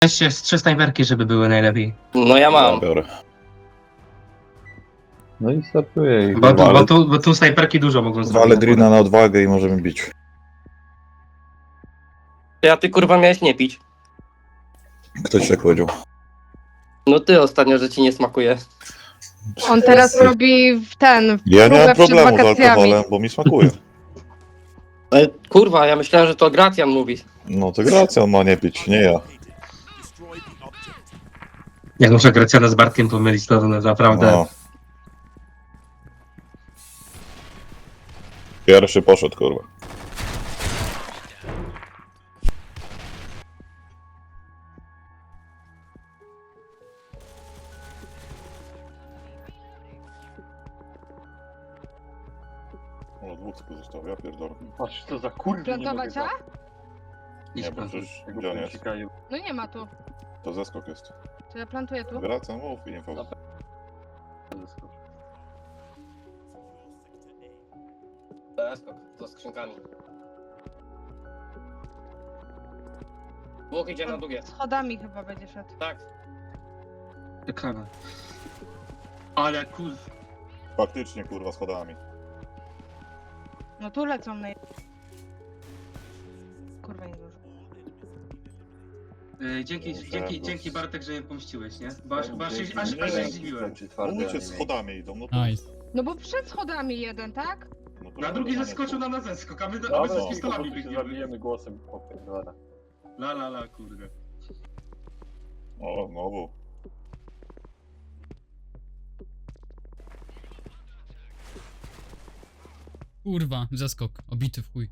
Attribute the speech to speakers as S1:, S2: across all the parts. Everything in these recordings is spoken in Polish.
S1: Weźcie z 3 snajperki, żeby były najlepiej.
S2: No ja
S3: Ja
S2: mam.
S3: biorę.
S4: No i startuję ich.
S1: Bo tu snajperki dużo mogą zrobić.
S3: Walę Drina na odwagę i możemy bić.
S2: Ja ty kurwa miałeś nie pić.
S3: Ktoś tak powiedział.
S2: No ty ostatnio, że ci nie smakuje.
S5: On teraz robi
S3: Ja nie
S5: próbę
S3: mam
S5: przed
S3: problemu z
S5: wakacjami.
S3: alkoholem, bo mi smakuje.
S2: Ale kurwa, ja myślałem, że to Gracjan mówi.
S3: No to Gracjan ma nie pić, nie ja.
S1: Jak muszę Gracjana z Bartkiem pomylić, to naprawdę...
S3: No. Pierwszy poszedł, kurwa. O, dwóch tylko zostało, ja pierdolę.
S4: Patrz, co za kurwa.
S5: Plantować A?
S3: Nie, bo przecież gdzie on jest?
S5: No nie ma tu.
S3: To zeskok jest.
S5: To ja plantuję tu.
S3: Wracam, mów i nie powiem.
S2: To skrzynkami. Dwóch idzie na długie.
S5: Schodami chyba będzie szedł.
S2: Tak.
S1: Reklama. Ale kur...
S3: Faktycznie, kurwa, schodami.
S5: No tu lecą na... Kurwa nie dużo.
S1: Dzięki Bartek, że mnie pomściłeś, nie? Bo aż się zdziwiłem.
S3: Mówicie, schodami idą, no to...
S6: Nice.
S5: No bo przed schodami jeden, tak?
S3: No to
S1: Na drugi
S3: nie
S1: zeskoczył
S3: tu.
S1: na zeskok, a my
S4: Dobra,
S1: z pistolami biegniemy.
S4: zabijemy głosem popierdolę.
S1: La, kurde.
S3: O, znowu.
S6: Kurwa, zeskok. Obity w chuj.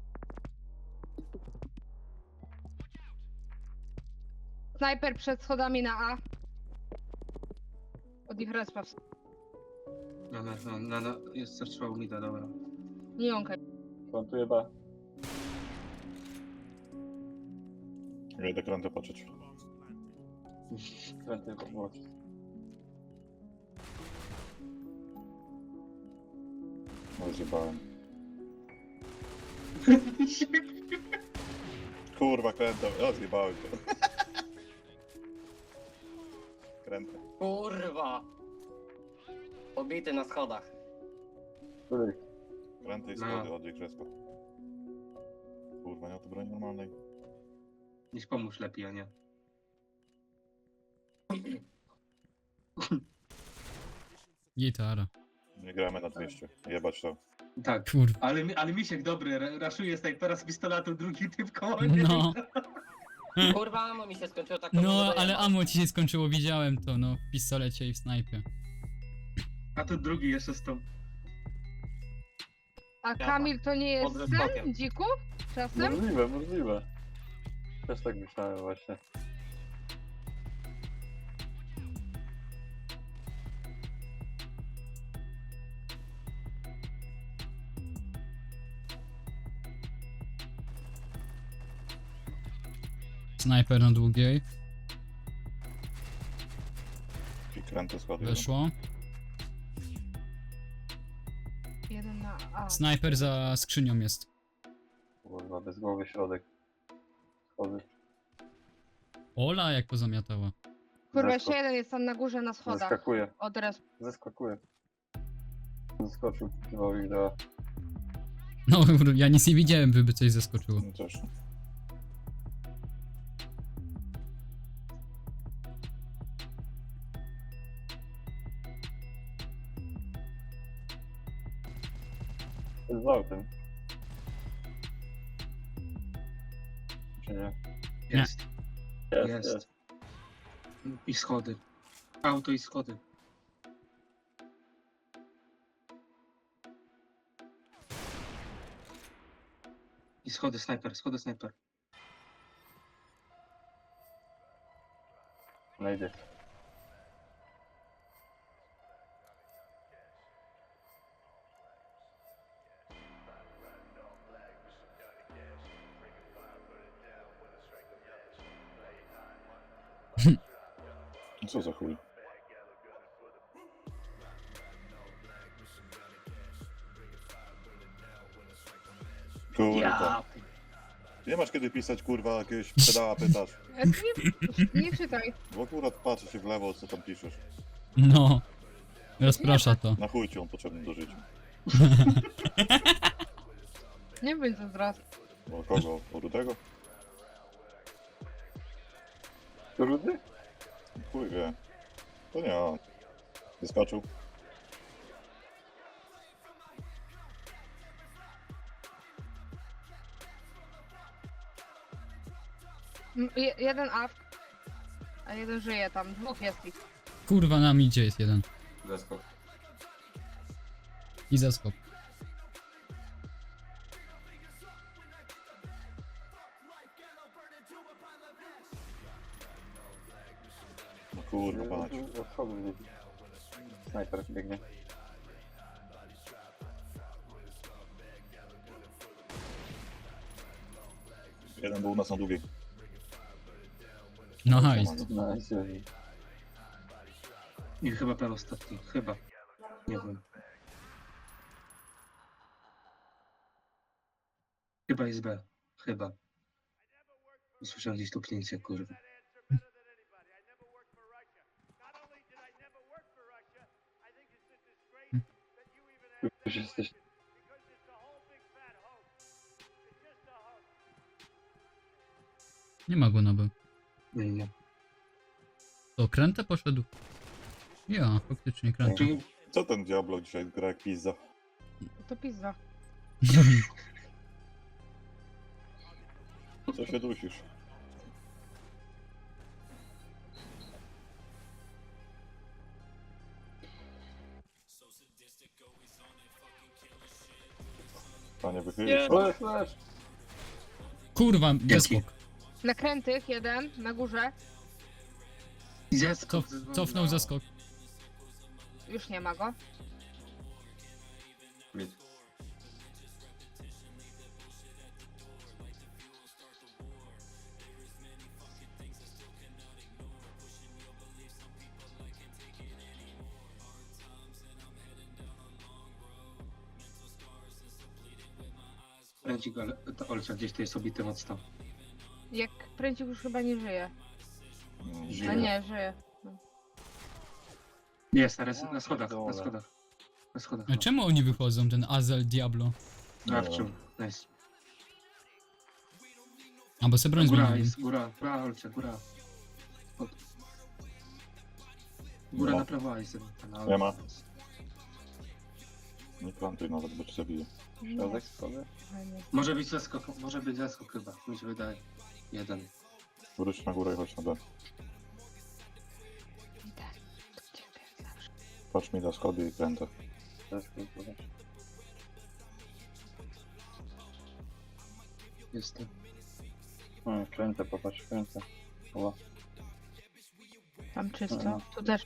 S5: Snajper przed schodami na A. Od ich respa.
S1: No, jest zatrzymał mida, dobra.
S5: Nie jąkaj.
S4: Plantuję B.
S3: Ja idę krętę patrzeć.
S4: Kręty włączyć.
S3: No zjebałem. Kurwa, krętę. Ja zjebałem to. Krętę.
S2: Kurwa. Obity na schodach.
S4: Który?
S3: Krętę i schody od ich respa. Kurwa, nie ma tu broni normalnej.
S1: Niech pomóż lepiej, a nie.
S6: Gitara.
S3: Nie gramy na 200. Jebać to.
S1: Tak.
S6: Kurwa.
S1: Ale Misiek dobry, raszuje snajpera z pistoletu, drugi typ koło mnie.
S6: No.
S2: Kurwa, ammo mi się skończyło tak.
S6: No, ale ammo ci się skończyło, widziałem to, no. W pistolecie i w snajpie.
S1: A tu drugi jeszcze z tą.
S5: A Kamil to nie jest
S2: Pod zeskokiem.
S5: ten? Dziku? Czasem?
S4: Możliwe. Też tak myślałem właśnie.
S6: Snajper na długiej.
S3: I krętę schody.
S6: Weszło.
S5: Jeden na A.
S6: Snajper za skrzynią jest.
S4: Kurwa, bez głowy środek. Schody.
S6: Ola jak pozamiatała.
S5: Kurwa, jeszcze jeden jest tam na górze na schodach.
S4: Zeskakuje.
S5: Od respa.
S4: Zeskakuje. Zeskoczył. Chyba wideo.
S6: No, ja nic nie widziałem, by coś zeskoczyło.
S3: No też.
S4: Z autem. Czy nie?
S1: Jest.
S4: Jest.
S1: Jest. I schody. Auto i schody. I schody, snajper.
S4: Znajdę.
S3: Co za chuj? Kurwa. Nie masz kiedy pisać, kurwa, jakiegoś pedała pytasz.
S5: Nie czytaj.
S3: Bo akurat patrzy się w lewo, co tam piszesz.
S6: No. Rozprasza to.
S3: Na chuj ci on potrzebny do życia.
S5: Nie bądź zazdrosny.
S3: O kogo? O Rudego?
S4: To Rudy?
S3: Chuj wie. To nie on. Wyskoczył.
S5: Jeden AFK, a jeden żyje tam. Dwóch jest ich.
S6: Kurwa, nam idzie jest jeden.
S7: Zeskok.
S6: I zaskok.
S3: No kurwa, patrz.
S4: Od schodu biegnie. Snajper biegnie.
S3: Jeden był u nas na długiej.
S6: No nice.
S4: Nice.
S1: I chyba prawo ostatni. Chyba. Nie wiem. Chyba jest B. Chyba. Słyszałem gdzieś tupnięcie, kurwa.
S4: Już jesteś.
S6: Nie ma go na B.
S1: Nie, nie.
S6: To krętę poszedł? Ja, faktycznie krętę.
S1: Czyli
S3: Co ten Diablo dzisiaj gra jak pizza?
S5: To pizza.
S3: Co się dusisz? Panie wychylisz?
S4: Flash!
S6: Kurwa, zaskok.
S5: Nakrętych jeden, na górze.
S1: zeskok.
S6: Cofnął zaskok.
S5: Już nie ma go.
S7: Mid.
S1: Kręci go, ale to Olcia gdzieś tu jest obity mocno.
S5: Jak prędzik już chyba nie żyje.
S1: Żyje.
S5: No nie, żyje.
S1: Jest, na schodach, na schodach. Na schodach.
S6: A czemu oni wychodzą, ten Azel Diablo?
S1: Nawczył. Nice.
S6: A bo se broń
S1: Góra
S6: zmienili.
S1: jest, góra, Olcia, góra. Od... Góra
S3: No.
S1: na prawo jest.
S3: Nie ma. Nie plantuj nawet, bo cię zabiję.
S4: Środek schody?
S5: Fajnie.
S1: Może być zaskok chyba, mi się wydaje. Jeden.
S3: Wróć na górę i chodź na B.
S5: Tak, to ciebie zawsze.
S3: Patrz mi na schody i krętę.
S1: Jestem.
S4: Kręcę, popatrz, kręcę. O,
S5: Tam czysto.
S4: Aha.
S5: Tu też.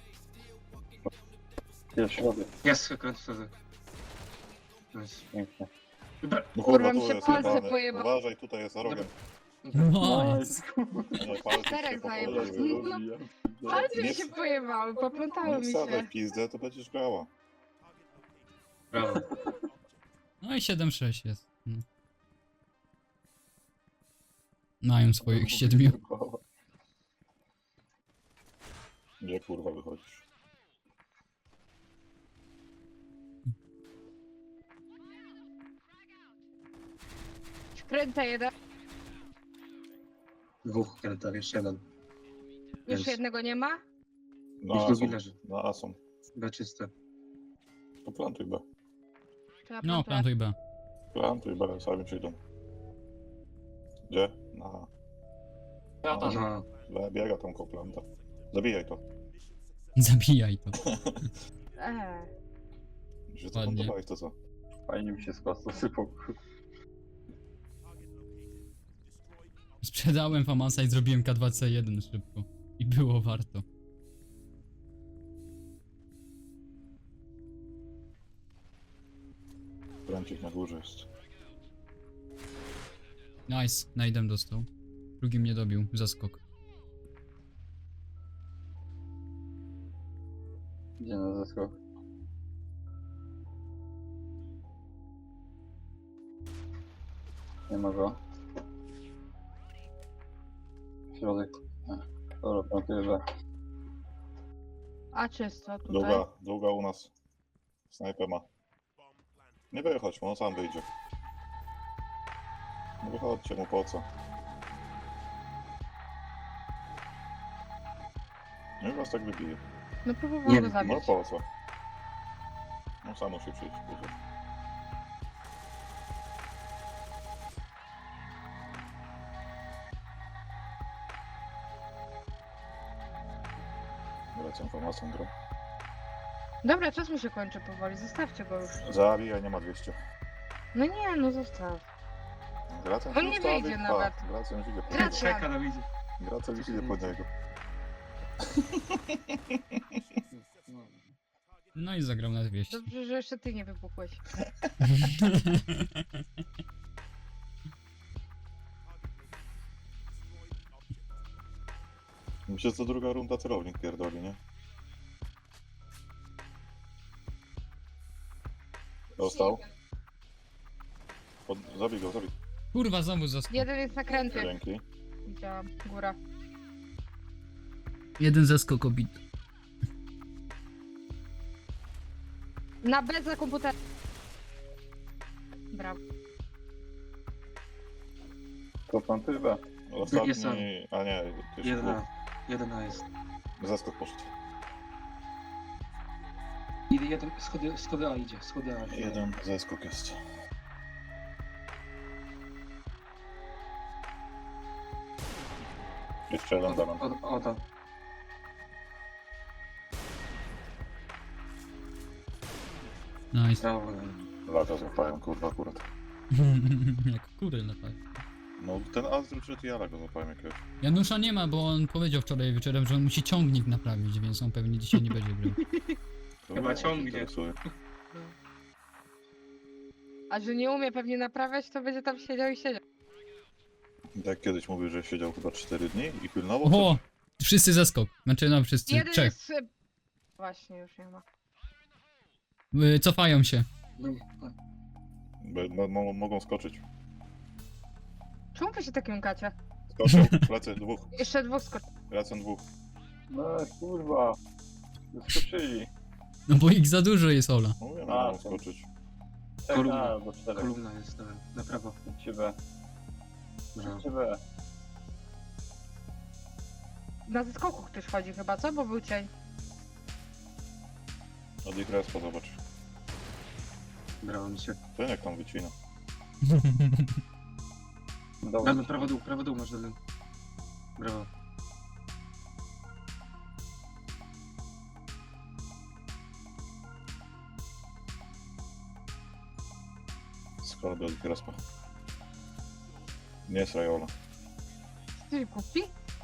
S4: jest środek.
S1: Jest kręt wtedy. Nice.
S4: Pięknie.
S1: Dobra.
S3: No
S5: Kurwa,
S3: kurwa,
S5: mi
S3: tu
S5: się
S3: jest
S5: palce
S3: jebane.
S5: pojebały.
S3: Uważaj, tutaj jest arogiem.
S6: Nice.
S3: Nie, palce
S5: Czterech
S3: się
S5: zajebał.
S3: popoleły.
S5: Palce mi
S3: Nie-
S5: się pojebały, poplątały
S3: Nie
S5: mi
S3: wsadzaj
S5: się.
S3: w pizdę, to będziesz grała.
S1: Brawo.
S6: No i 7-6 jest. No. Mają swoich 7.
S3: Gdzie kurwa wychodzisz?
S5: Kręcę jeden.
S1: Dwóch krętach, jeszcze jeden.
S5: Już
S1: Jest.
S5: jednego nie ma.
S3: Na
S1: Już drugi
S3: Asom.
S1: leży.
S3: Na Asom.
S1: B czyste.
S3: To plantuj B.
S5: To ja
S6: No,
S5: plantuję.
S6: plantuj B.
S3: Plantuj B, sami przyjdą. Gdzie? Na
S2: Ja też.
S1: No.
S3: B, biega tam koło planta. Zabijaj to.
S6: Zabijaj to.
S3: Mi się
S6: Ładnie.
S3: zaplanowałeś to co?
S4: Fajnie mi się z kwasu sypał.
S6: Sprzedałem Famasa i zrobiłem K2C1 szybko. I było warto.
S3: Kręcik na górze jest.
S6: Nice, najdem dostał. Drugi mnie dobił, zaskok.
S4: Idzie na zeskok. Nie ma go. Środek. Dobra, plantuję.
S5: A czysto tutaj.
S3: Długa u nas. Snajper ma. Nie wychodź mu, on sam wyjdzie. Nie wychodźcie mu, po co? Nie was tak wybije.
S5: No próbowałam
S1: Nie,
S5: go
S3: No
S5: zabić.
S3: po co? No sam musi przyjść później. Wracam informacją grą.
S5: Dobra, czas mi się kończy powoli, zostawcie go już.
S3: Zabijaj, nie ma 200.
S5: No nie, no zostaw.
S3: Gracem
S5: On nie wyjdzie nawet.
S3: Gracem już idzie po
S5: Gracem.
S3: niego.
S1: Czeka na widzie.
S3: Gracem już idzie po niego.
S6: No i zagrał na 200.
S5: Dobrze, że jeszcze ty nie wybuchłeś.
S3: Myślę, że to druga runda celownik pierdoli, nie? Dostał. Zabij go, zabij.
S6: Kurwa, znowu zaskok.
S5: Jeden jest na kręty.
S3: Dzięki.
S5: Widziałam, góra.
S6: Jeden zaskok obity.
S5: Na B za komputer. Brawo.
S4: To plantuję.
S1: Jest on.
S3: Ostatni... A nie, to już
S1: 1 A jest.
S3: zaskok poszedł.
S1: Idę jeden, schody A idzie, schody A.
S3: Jeden zaskok jest. Jeszcze jeden dam.
S1: O to.
S6: Nice.
S1: Brawo.
S3: Lata złapają, kurwa, akurat.
S6: Jak kury latają.
S3: No ten Azdru czy Tiara go złapałem jakiegoś.
S6: Janusza nie ma, bo on powiedział wczoraj wieczorem, że on musi ciągnik naprawić, więc on pewnie dzisiaj nie będzie grał.
S1: Chyba ciągnie.
S3: Interesuje.
S5: A że nie umie pewnie naprawiać, to będzie tam siedział i siedział.
S3: Tak kiedyś mówił, że siedział chyba 4 dni i pilnował.
S6: O! Wszyscy zaskok. Znaczy no wszyscy.
S5: Jeden
S6: Trzech.
S5: jest... Właśnie, już nie ma.
S6: Cofają się.
S3: Mogą skoczyć.
S5: Czemu wy się tak jąkacie?
S3: Skoczą, lecę dwóch.
S5: Jeszcze dwóch skoczy.
S3: Lecę dwóch.
S4: No kurwa. Wyskoczyli.
S6: No bo ich za dużo jest, Ola.
S3: Mówię,
S4: A,
S3: mogą
S4: to-
S3: skoczyć.
S1: Kolumna.
S4: Albo 4.
S1: Kolumna jest na prawo.
S4: Idźcie B.
S1: Brawo.
S4: Idźcie B.
S5: Na zeskoku ktoś chodzi chyba, co? Bo był cień.
S3: Od ich respa zobacz.
S1: Brawo mi się.
S3: Ten jak tam wycina.
S4: Dobra.
S1: Damy prawo dół masz dole. Brawo.
S3: Schody od ich respa. Nie jest Rajola.
S5: Ty kupi?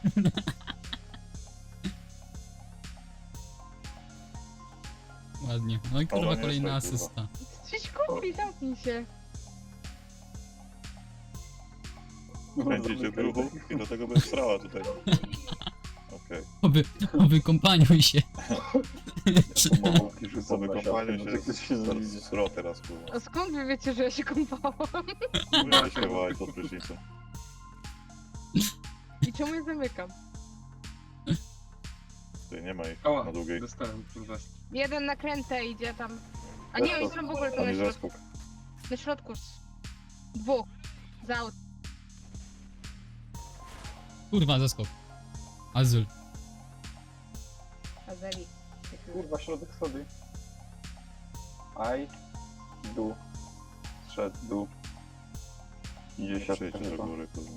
S6: Ładnie. No i
S3: Ola
S6: kurwa
S3: nie
S6: kolejna
S3: jest tak,
S6: asysta.
S5: Coś kupi, zamknij się.
S3: Kręcicie w ruchu i do tego będę strała tutaj. Okej.
S6: Oby kompaniuj się.
S3: Po wykąpaniu się sro teraz kurwa.
S5: A skąd wy wiecie, że ja się kąpałam?
S3: Mówię się wołać pod prysznicem.
S5: I czemu je zamykam?
S3: Tutaj nie ma ich
S1: Ała,
S3: na długiej.
S1: dostałem kurwa.
S5: Jeden na krętę idzie tam. A nie, oni są w ogóle tu
S3: Tam
S5: na
S3: jest
S5: środku.
S3: zeskok.
S5: Na środku. Dwóch. Za aut.
S6: Kurwa, zaskok. Azul.
S5: Azeli.
S4: Kurwa, środek schody. Aj. Dół. Szedł, dół. Idzie siatka
S3: Przyjdźcie do
S4: chyba.
S3: góry kurwa.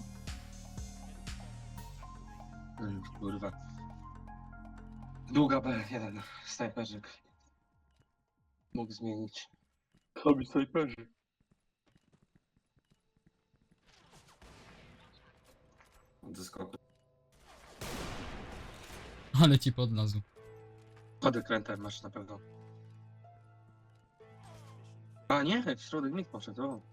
S1: Kurwa. Długa B1. Snajperzyk. Mógł zmienić.
S4: Robi snajperzy.
S1: Ze skoku.
S6: Ale ci podlazł.
S1: Kody krętem masz na pewno. A nie, w środek mit poszedł. O.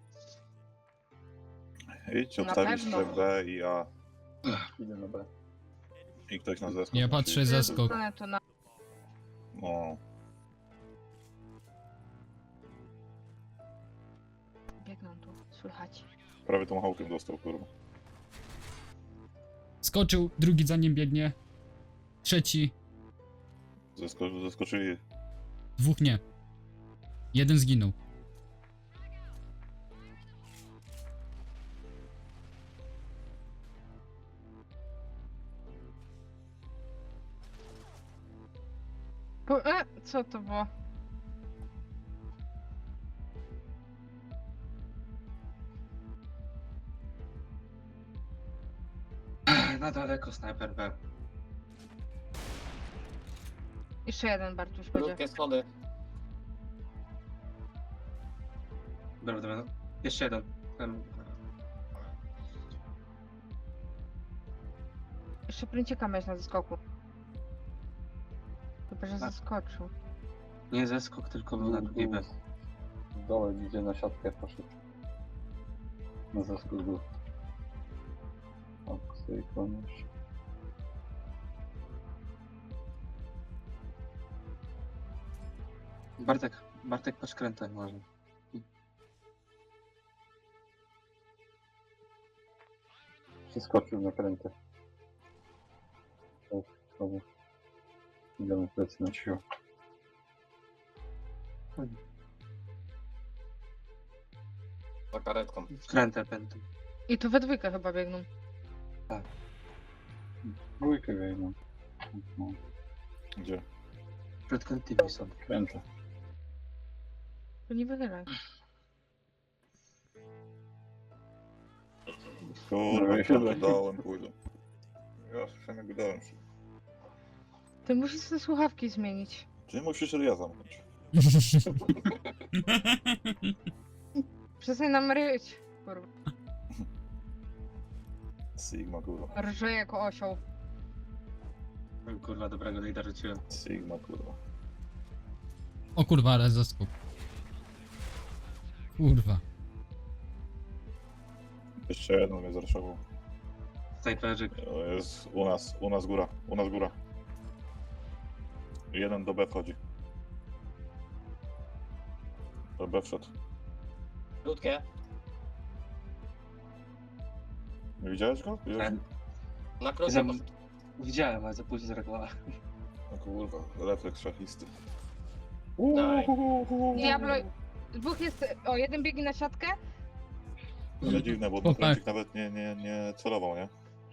S3: Idź,
S5: Na
S3: obstawić
S5: pewno.
S3: że B i A.
S4: Idę na B.
S3: I ktoś na zeskok.
S6: Ja
S3: musi
S6: patrzę
S3: iść.
S6: za skok.
S5: Zostanę tu na...
S3: No.
S5: Biegną tu, słychać.
S3: Prawie tą hałkiem dostał kurwa.
S6: Skoczył, drugi za nim biegnie. Trzeci,
S3: Zaskoczyli.
S6: dwóch nie. Jeden zginął.
S5: Co to było?
S1: Na daleko snajper B.
S5: Jeszcze jeden Bartuś będzie.
S2: Krótkie schody.
S1: Dobra, dobra. Jeszcze jeden. Ten...
S5: Jeszcze pręcieka miałeś na zeskoku. Chyba, że
S1: Tak.
S5: zaskoczył.
S1: Nie zeskok, tylko był na drugiej B.
S4: W dole idzie na siatkę poszedł. Na zeskok był. O, sobie kłoniesz.
S1: Bartek patrz krętę może.
S4: Przeskoczył na krętę. Tak, znowu. Idziemy plecy na siłę.
S2: Za karetką.
S1: Krętę pętę.
S5: I tu we dwójkę chyba biegną.
S4: Dwójkę wejdą. No,
S3: Gdzie?
S1: Przed krętymi są.
S4: krętę.
S5: To nie wychylaj.
S3: Kurwa,
S4: No, chyba.
S3: dałem pójdę. Ja słyszałem jak dałem się.
S5: Ty musisz te słuchawki zmienić.
S3: Czy musisz ja zamknąć?
S5: Przestań nam ryć. Kurwa.
S3: Sigma, kurwa.
S5: Rże jako osioł.
S1: Kurwa, dobrego lejda rzuciłem.
S3: Sigma, kurwa.
S6: O kurwa, ale zaskok. Kurwa.
S3: Jeszcze jeden mnie zraszował.
S1: Snajperzyk.
S3: Jest u nas góra. Jeden do B wchodzi. Do B wszedł.
S2: Krótkie.
S3: Nie widziałeś go? Widziałeś?
S1: Ten.
S2: Na krótkie.
S1: Zam- Widziałem, ale za późno zareagowałem.
S3: No kurwa, refleks szachisty.
S2: Daj.
S5: Diablo... Dwóch jest... O, jeden biegnie na siatkę.
S3: Ale dziwne, bo
S6: O,
S3: ten
S6: tak.
S3: kręcik nawet nie celował, nie?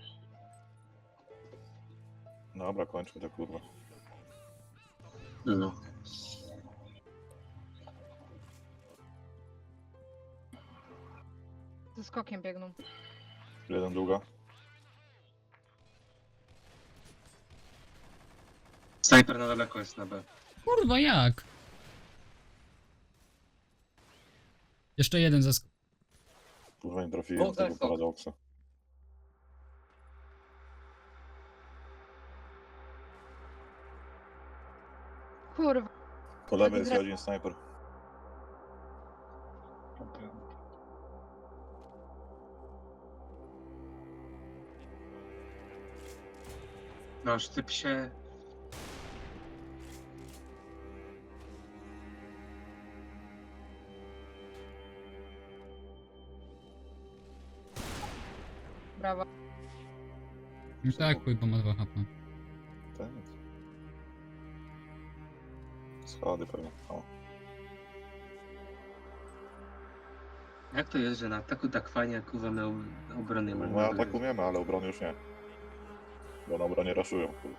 S3: Dobra, kończmy to kurwa.
S1: No.
S5: Ze skokiem biegną.
S3: Jeden długa.
S1: Snajper na daleko jest na B.
S6: Kurwa, jak? Jeszcze jeden zaskok.
S3: Kurwa nie trafiłem
S2: Dwóch
S3: tego
S2: zeskok.
S3: paradoksa.
S5: Kurwa.
S3: Po lewej jest jeden snajper.
S1: No, sztyp się.
S5: Brawo.
S6: I tak, bo ma 2 HP.
S3: Tak. Schody pewnie. O.
S1: Jak to jest, że na ataku tak fajnie, jak kurwa my obrony mamy?
S3: My atakujemy, ale obrony już nie. Bo na obronie raszują. Kurwa.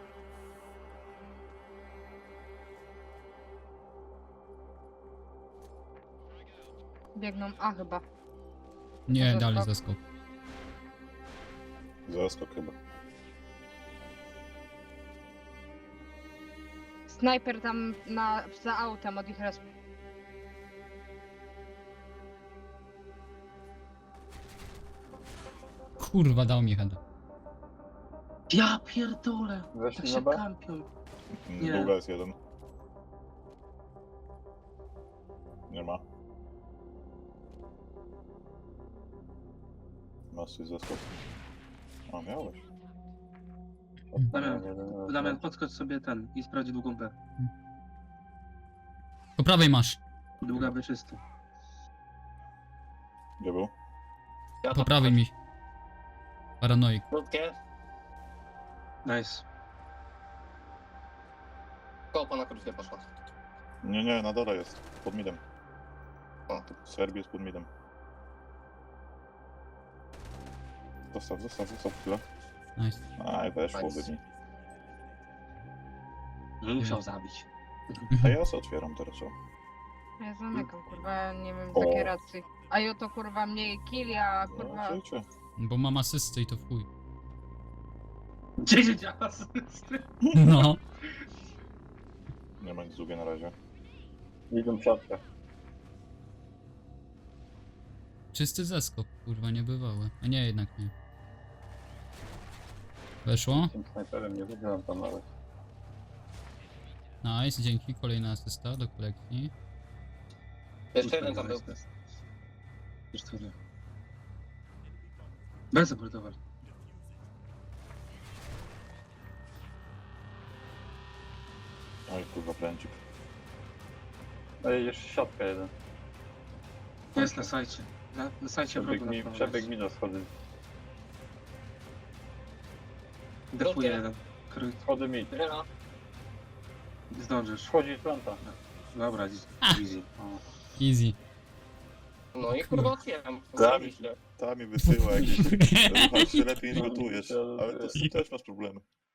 S5: Biegną A chyba.
S6: Nie,
S5: Zaskok.
S6: dalej zaskok.
S3: Zaskok chyba.
S5: Snajper tam za autem od ich resp.
S6: Kurwa, dał mi heada.
S1: Ja pierdolę! Tak
S4: Weszli
S1: się
S4: na B?
S1: kampią. Nie.
S3: Długa jest jeden. Nie ma. Masz coś zaskok. A, miałeś.
S1: Damian, podskocz sobie ten i sprawdź długą B.
S6: Po prawej masz.
S1: Długa B czysto.
S3: Gdzie był?
S2: Ja
S6: Po
S2: tam
S6: prawej mi. Paranoik.
S2: Krótkie.
S1: Nice.
S2: Kopa na krótkie poszła.
S3: Nie, na dole jest. Pod midem.
S2: O.
S3: Serbii jest pod midem. Zostaw chwilę.
S6: Nice.
S3: Aj, weszło
S2: Nice.
S3: by mi.
S2: Musiał zabić.
S3: A ja se otwieram teraz, o.
S5: Ja zamykam, kurwa, nie wiem,
S3: O.
S5: takie racji. A jo to kurwa mniej killi, a
S3: No,
S5: kurwa...
S3: życie.
S6: Bo mam asystę i to w chuj.
S1: 10 asyst.
S6: No.
S3: Nie ma nic długie na razie.
S4: Idą w siatkę.
S6: Czysty zeskok, kurwa, niebywałe. A nie, jednak nie. Weszło?
S4: Tym snajperem nie wygrałem tam nawet.
S6: Nice, dzięki. Kolejna asysta do kolekcji.
S2: Jeszcze jeden tam był.
S1: Już tyle. Bez obrotowar.
S3: Oj, kurwa, pręcik.
S4: Ej, jeszcze siatka jeden.
S1: Jest na sajcie. Na sajcie wrogu na prawo
S4: Przebieg
S1: jest.
S4: mi do schody.
S1: Defuje jeden. Krój.
S4: Schody mi.
S2: Rena.
S1: Zdążysz.
S4: Wchodzi planta.
S1: Dobra, easy.
S4: O.
S6: Easy.
S2: No i kurwa otwieram.
S3: Dawid. Ta mi wysyła jakieś... Chyba się lepiej niż gotujesz. Ale to z tym też masz problemy.